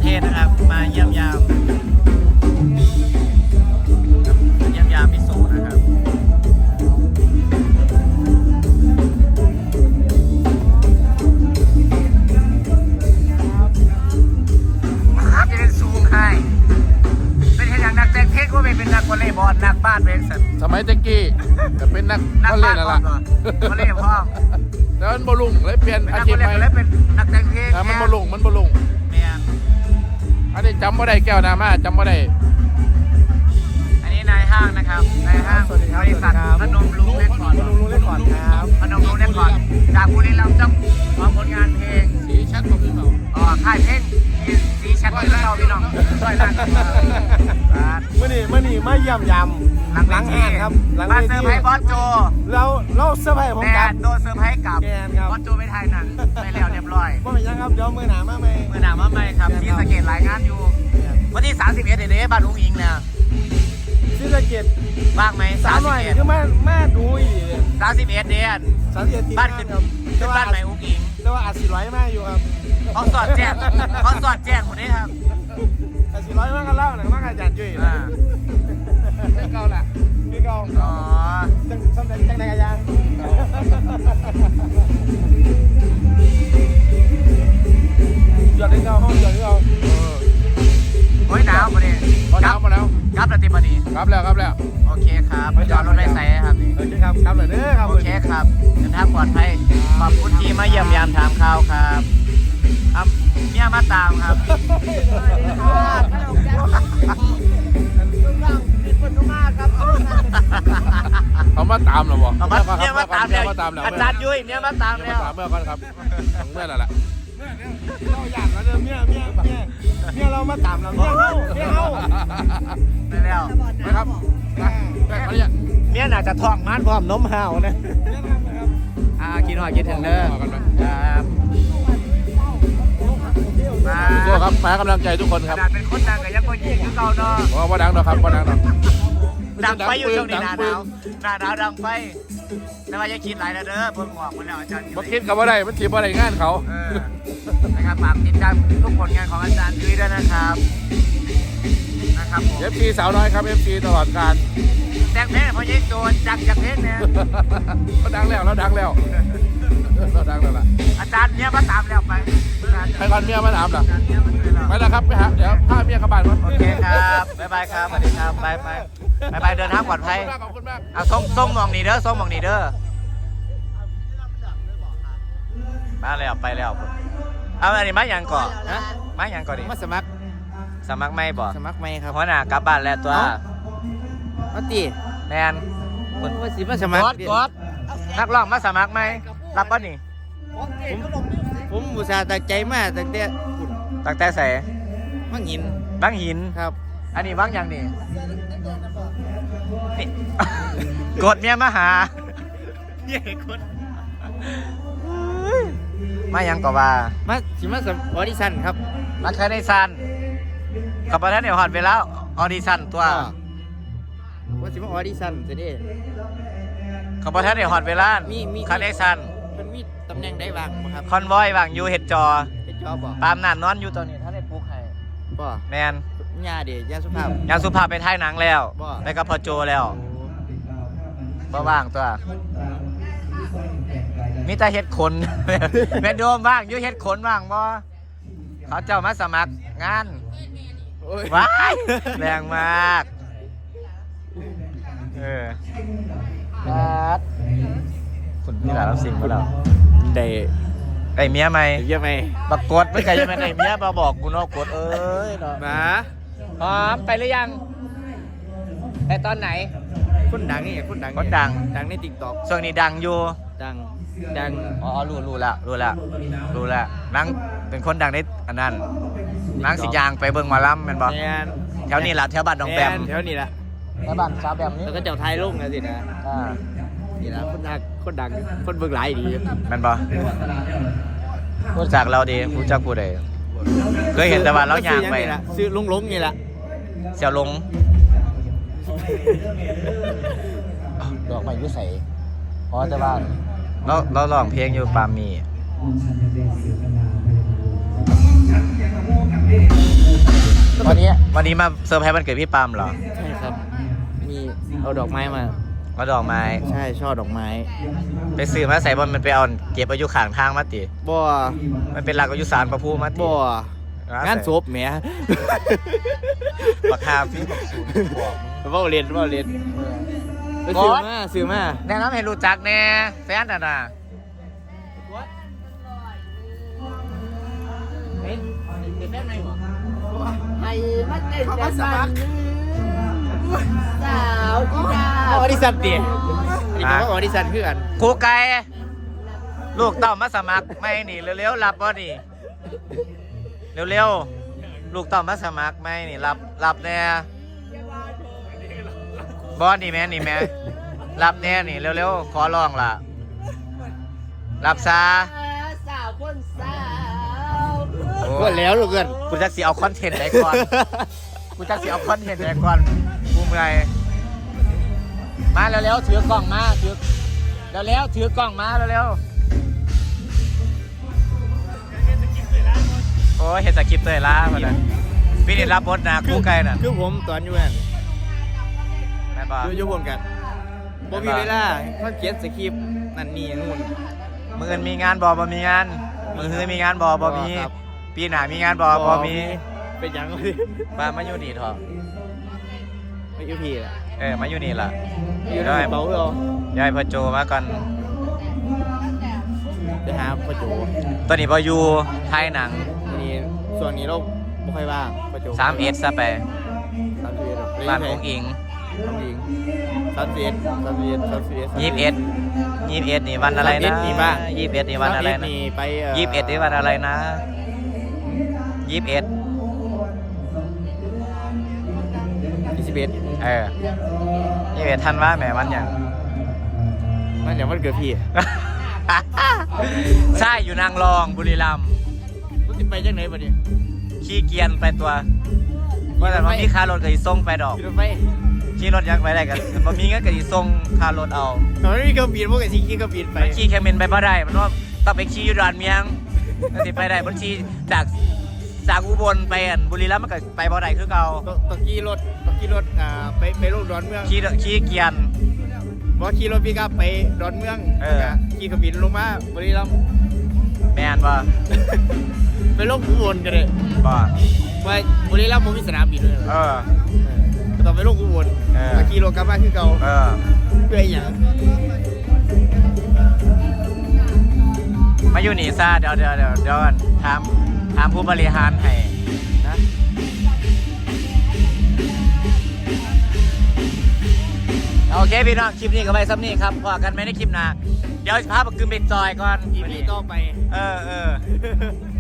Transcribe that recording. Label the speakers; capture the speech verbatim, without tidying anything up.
Speaker 1: ทศนะครับมาเยี่ยมยามเยี่ยมยามพิสูจน์นะครับจะเป็นซูมให้เป็นแค่อย่างนักแต่งเพลงก็ไม่เป็นนักวอลเลย์บอลนักบ้านเวงสัน
Speaker 2: สมัยตะกี้จะเป็นนัก
Speaker 1: นัก
Speaker 2: วอลเล
Speaker 1: บ้าน
Speaker 2: ย์นั่น
Speaker 1: ก่
Speaker 2: แห
Speaker 1: อน
Speaker 2: ละ
Speaker 1: วอลเลย์พ่อม
Speaker 2: แล้วมันบอลุงเลยเปลี่ยน
Speaker 1: เป็น
Speaker 2: อา
Speaker 1: นัก
Speaker 2: ชี
Speaker 1: ว
Speaker 2: พ
Speaker 1: อลเล
Speaker 2: ใหม่
Speaker 1: ย์แล้วเป็นนักแต่งเพลง
Speaker 2: มันบอลุงมันบอลุง
Speaker 1: แม่น
Speaker 2: อันนี้จำไม่ได้แก้วนามาจำไม่ได้
Speaker 1: อันนี้นายห้างนะครับนายห้างบริษัทพนมรุ้งเรคคอร์ด
Speaker 3: พนมรุ้งเรคคอร์ดครับ
Speaker 1: พนมรุ้งเรคคอร์ดจากบุรีรัมย์เจ้าของผลงานเพลง
Speaker 2: สีชัดกว่าพี่เปล่า
Speaker 1: อ๋อค่ายเพลงสีชัดที่เราพี่น้องช่วยรัก
Speaker 3: เมื่อนี่เมื่อนี่มาเยี่ยมยำ
Speaker 1: หลัง
Speaker 3: หลัง
Speaker 1: เว
Speaker 3: งาน
Speaker 1: ที
Speaker 3: ครับหลัง
Speaker 1: มา
Speaker 3: เว
Speaker 1: เซอ
Speaker 3: ที
Speaker 1: ร์ไพรส์บอสโจ
Speaker 3: เราเราเซอร์ไพรส์ผม
Speaker 1: แต่
Speaker 3: กัน
Speaker 1: โดนเซอร์ไพรส์กับ
Speaker 3: แกนครับ
Speaker 1: บอสโจไปถ่ายหนังไปแล้วเรียบร้อย
Speaker 3: ว่าเป็นยังครับเดี๋ยวมือหนามาไหม
Speaker 1: เมื่อหนามาใหม่ครับที่สะเกตรายงานอยู่วันที่สามสิบเอ็ดเดือนบ้านลุงอิงเนี่ย
Speaker 3: ที่สะเก็ด
Speaker 1: ว่างไหม
Speaker 3: สา
Speaker 1: สาม ม
Speaker 3: ห
Speaker 1: สิ
Speaker 3: น่
Speaker 1: บ
Speaker 3: อย
Speaker 1: เอ็ด
Speaker 3: คือแม่แม่ดูอี
Speaker 1: สามสิบเอ็ดเดือน
Speaker 3: สามสิบเอ็ดที
Speaker 1: บ้านขึ้น
Speaker 3: ครับ
Speaker 1: ขึ้นบ้านใหม่อุ้งอิง
Speaker 3: แต่ว่าอัดสี่ร้อยมากอยู่ครับ
Speaker 1: เขาสอดแจ้งเขาสอดแจ้งคนนี้ครับ
Speaker 3: อัดสี่ร้อยมากกันเล่าหนังมากอาจารย์จุ้ย
Speaker 1: อ่า
Speaker 3: ไม่เก่าแหละพี่เก่า
Speaker 1: อ๋อ
Speaker 3: จังสำเร็จจังในอาจารย์หยอดที่เก่าห้องหยอดที่เก่า
Speaker 1: โอ้ยหนาวมาดิ
Speaker 2: พอน้ำมาแล้ว
Speaker 1: ครับปฏิบัติดี
Speaker 2: ครับแล้วครับแล้ว
Speaker 1: โอเคครับจอดรถไฟใส่ครับนี่
Speaker 3: โอเคครับครับเลยเด้อครับ
Speaker 1: โอเคครับเดินทางปลอดภัยขอบคุณที่มาเยี่ยมยามถามข่าวครับครับเมียมาตามครับ
Speaker 2: เขามาตามเหรอวะ
Speaker 1: เอามาเมียมาตาม
Speaker 2: เมี
Speaker 1: แล้
Speaker 2: ยว มาตามแล้ว
Speaker 1: อาจารย์ยุ้ยเมียมาตาม
Speaker 2: เมีย
Speaker 1: แล้ว
Speaker 2: มาตามเมื่อก่อนครับเมื่อนั่นแหละ
Speaker 3: เราอยากแล้วเด้อเมียเมียเมียเมียเรามาตามเราเมียเฮาเมียเฮา
Speaker 1: ไปแล้ว
Speaker 2: นะครับนะแบกมาเนี่ย
Speaker 1: เมียน่าจะท้องมันพร้อมนมห่าวนะ
Speaker 3: เมียทำนะครับ
Speaker 1: อ่ากินหอยกินถึงเด้อครับมา
Speaker 2: สู้ครับมากำลังใจทุกคน
Speaker 1: ข
Speaker 2: ครับ
Speaker 1: นาดเป็นคนดังก็ยังคนยิงคือเก่าเนาะ
Speaker 2: เพราะว่าดังดอกครับว่าดังดอก
Speaker 1: ดังไปอยู่ช่วงนี้หนาห
Speaker 2: ปื
Speaker 1: นาวหนาหนาวดังไปแต่ว่าอย่าคิดหลายนะเด้อเพิ่งหมอกมาแล้วอาจารย์ยุ้
Speaker 2: มาย คิดกับว่าได้มันถีบอะไรงานเขา
Speaker 1: เออนะครับฝากติดตามทุกผลงานของอาจารย์ยุ้ยด้วยนะครับนะครับผม
Speaker 2: เอฟซีสาวน้อยครับเอฟซีตลอดการ
Speaker 1: แต่งเพลงพอยิ่งโดนจักจากเพลงเนี่ย
Speaker 2: เราดังแล้วเราดังแล้วเราดังแล้วล่ะ
Speaker 1: อาจารย์เนี่ยมาตามแล้วไป
Speaker 2: ใครก่อนเมียมาถามล่ะ
Speaker 1: อาจารย์เนี่ยมาเลยแล้ว
Speaker 2: ไปแล้วครับไปหาเดี๋ยวพาเมียกลับบ้านก่อน
Speaker 1: โอเคครับบ๊ายบายครับสวัสดีครับไปไปไปไปเดินทางปลอดภัย
Speaker 2: ขอบคุณมาก
Speaker 1: เอาส่งส่งหมองนี่เด้อส่งหมองนี่เด้อมาแล้วไปแล้วเอาอันนี้มาอย่างก่อน
Speaker 3: ฮะ
Speaker 1: มาอย่างก่อนดิ
Speaker 3: มาสมัคร
Speaker 1: สมัครไม่บ่
Speaker 3: สมัครไหมครับ
Speaker 1: หัวหน้ากลับบ้านแล้วตัว
Speaker 3: มาตี
Speaker 1: แมน
Speaker 3: คนว่าสิมาสมัคร
Speaker 1: กดกดนักร้องมาสมัครไหมรับป่ะนี่
Speaker 3: ผมผมอุตส่าห์ตั้งใจมาตั้งแต่คุณ
Speaker 1: ตั้งแต่ใส่
Speaker 3: มังหิน
Speaker 1: บางหิน
Speaker 3: ครับ
Speaker 1: อันนี้บางอย่างนี่นี่ กดเมียมาหาเย้กดมายังก็ว่า
Speaker 3: มาสิมาสมัครออดิชั่นครับ
Speaker 1: มาเคยในซันกับประธานเดี๋ยวหอดไปแล้วออดิชั่นตัว
Speaker 3: ว่าสิมาออดิชั่นจะได้
Speaker 1: กับประธานเดี๋ยวหอดเวลา
Speaker 3: มีมี
Speaker 1: คันในซัน
Speaker 3: มันมีตำแหน่งได้บ้างบ่ครับ
Speaker 1: คอนวอยวางอยู่เห็ดจอ
Speaker 3: เป็นจอบบ่
Speaker 1: ปามนานนอนอยู่ตอนนี้ท่านได้ปลุกให้
Speaker 3: บ่
Speaker 1: แมน
Speaker 3: ญาเดียญาสุภาพ
Speaker 1: ยางสุภาพไปถ่ายหนังแล้ว
Speaker 3: บ่
Speaker 1: ไปกับพ่อโจแล้วบ่ว่างตัวมีแต่เฮ็ดขน แม่นโดมบ้างอยู่เฮ็ดขนบ้างบ่เขาเจ้ามาสมัครงาน
Speaker 3: โอ้ย
Speaker 1: ว้ายแรงมากเออครับคุณพี่หลานรับสิ่งมาแล้ว
Speaker 3: ได้
Speaker 1: ไอ้เมียไหม
Speaker 3: เยอะไหม
Speaker 1: บักกดไม่ไกลยังไงไอ้เมียมาบอกกูเนาะกดเอ้ยเนาะ
Speaker 3: มา
Speaker 1: พร้อมไปหรือยังไปตอนไหน
Speaker 3: คนดังนี่คนดัง
Speaker 1: คนดัง
Speaker 3: ดังใน TikTok
Speaker 1: ช่วงนี้ดังอยู่
Speaker 3: ดังดัง
Speaker 1: อ๋อรู้รู้แล้วรู้แล้วรู้แล้วนังเป็นคนดังในอันนั้นนังสิยางไปเบิ่งหมาล้ำแม่นบ่
Speaker 3: แมน
Speaker 1: แถวนี้ล่ะแถวบ้านหนองแปม
Speaker 3: แถวนี้แหละ
Speaker 1: แถวบ้านสาวแปมนี่
Speaker 3: แล้วก็เจ้าไทยลุงนะสินะ
Speaker 1: อ่า
Speaker 3: นี่นะคนดังคนดังคนเบิ่งหลายดี
Speaker 1: แม่นบ่รู้จักเราดีรู้จักผู้ใดเคยเห็นแต่ว่าเราย่างไป
Speaker 3: ซื้อนี่แหละซื้อลุงลุงนี่แหละ
Speaker 1: เสี่ยวหลงดอกไม้อยู่ไสอ๋อแต่ว่าเราเราร้องเพลงอยู่ปามีวันนี้วันนี้มาเซอร์ไพรส์วันเกิดพี่ปามเหรอ
Speaker 3: ใช่ครับ มีเอาดอกไม้มา
Speaker 1: มาดอกไม้
Speaker 3: ใช่ช่อดอกไม้
Speaker 1: ไปซื้อมาใส่บอลมันไปเอาเก็บอายุข้างทางมาติ
Speaker 3: บ่
Speaker 1: มันเป็นหลักอายุสารประพูมาติ
Speaker 3: บ่งานศพแหม
Speaker 1: ราคาพี่บอกศูนย์บอก
Speaker 3: เว้าเรียนเว้าเรียนไปซื้อมาซื้อมา
Speaker 1: แนะนำให้รู้จักแน่แฟนน่ะนะ
Speaker 4: ให้มันเต้นแต่มันสาวอีดา
Speaker 3: ออดิชั่นติอีกคำว่าออดิชั่นคือกัน
Speaker 1: ครูไก่ลูกเต้ามาสมัครไม่นี่เร็วๆรับบ่นี่เร็วๆลูกเต้ามาสมัครไม่นี่รับรับแน่บอสนี่แม่นี่แม่รับแน่นี่เร็วๆขอร้องล่ะรับซา
Speaker 4: สาวคนสาว
Speaker 3: ก็แล้วลูกเกิน
Speaker 1: กูจะสิเอาคอนเทนต์ไหนก่อน กูจะสิเอาคอนเทนต์ไหนก่อนกูเมื่อยมาเร็วๆถือกล้องมาถือเร็วๆถือกล้องมาเร็วๆโอ้ยเห็นสคริปต์เลยล่ะมาเลยพี่นี่รับบทนะคู่ไก่น่ะ
Speaker 3: คือผมตอนอยู่นั่น
Speaker 1: แม่นบ่
Speaker 3: อยู่อยู่ผมกันบ่มีเวลาเขาเขียนสคริปต์นั่นนี่นู่น
Speaker 1: มืออื่นมีงานบ่บ่มีงานมือฮือมีงานบ่บ่มี
Speaker 3: ครับ
Speaker 1: ปีหน้ามีงานบ่บ่มี
Speaker 3: เป็นหยังเลย
Speaker 1: มามาอยู่นี่เถอะ
Speaker 3: ไม่อยู่พี่ล่ะ
Speaker 1: เออมาอยู่นี่ล่ะ
Speaker 3: อยู่ในเบาเหรอย
Speaker 1: ายพ่อโจมาก่อน
Speaker 3: ไปหาประจู
Speaker 1: ตอนนี้บ่อยู่ไทยหนัง
Speaker 3: นี่ส่วนนี้เราไม่ค่อยว่างประจู
Speaker 1: สามเอ็ดซะไป
Speaker 3: สามสิบเอ็ด
Speaker 1: บ้านของอิง
Speaker 3: น้องอิงสามสิบเอ็ดสามสิบเอ็ดสามสิบเอ็ด
Speaker 1: ยี่สิบเอ็ดยี่สิบเอ็ดนี่วันอะไรนะ
Speaker 3: สามสิบเอ็ดนี่บ้าง
Speaker 1: ยี่สิบเอ็ดนี่วันอะไรนะ
Speaker 3: นี่ไป
Speaker 1: ยี่สิบเอ็ดนี่วันอะไรนะยี่สิบเอ็ด
Speaker 3: ยี่สิบเอ็ด
Speaker 1: เออยี่สิบเอ็ดทันว่าแหมวันอย่าง
Speaker 3: นั่นเดี๋ยวมันเกิดพี่
Speaker 1: ใช่อยู่นางรองบุรีรัมย์
Speaker 3: รู้สิไปจังไหนปะเนี่ย
Speaker 1: ขี้เกียจไปตัวว่าแต่ว่ามีค่ารถก็สิส่งไปดอก
Speaker 3: ขี่รถไป
Speaker 1: ขี่รถยังไปได้กันบ่มีเงินก็สิส่งค่ารถเอา
Speaker 3: ตอนนี้เครื่องบินพวกไอ้ซีขี่เครื่องบินไป
Speaker 1: มันขี่แคมินไปบ่ได้มันว่าต้องไปขี่อยู่ดอนเมียงมันสิไปได้มันขี่จากจากอุบลไปอันบุรีรัมย์มันก็ไปบ่ได้คือเก่า
Speaker 3: ตตะกี้รถตะกี้รถอ่าไปไปลงดอนเมือง
Speaker 1: ขี่ขี่เกียน
Speaker 3: บอกขี่รถพี่กับไปดอนเมือง
Speaker 1: เออ
Speaker 3: แล้วก็ขี่เครื่องบินลงมาบริรัมย์
Speaker 1: แมนบ่
Speaker 3: ไปลงอุบลกันเลย
Speaker 1: บ่
Speaker 3: ไปบริรัมย์มันมีสนามบินด้วย
Speaker 1: เออ
Speaker 3: ก็ต้องไปลงอุบล
Speaker 1: เออ
Speaker 3: แล้วขี่รถกลับมาคือเก่า
Speaker 1: เออ
Speaker 3: เพื่ออหย่าง
Speaker 1: มาอยู่นี่ซะเดี๋ยวเดี๋ยวเดี๋ยวเดี๋ยวก่อนถามถามผู้บริหารให้นะโอเคพี่น้องคลิปนี้ก็ไปซ้ำนี่ครับพอกันไหมในคลิปหน้าเดี๋ยวพาปกึมไปจอยก่อน
Speaker 3: อีพีต่อไป
Speaker 1: เออเออ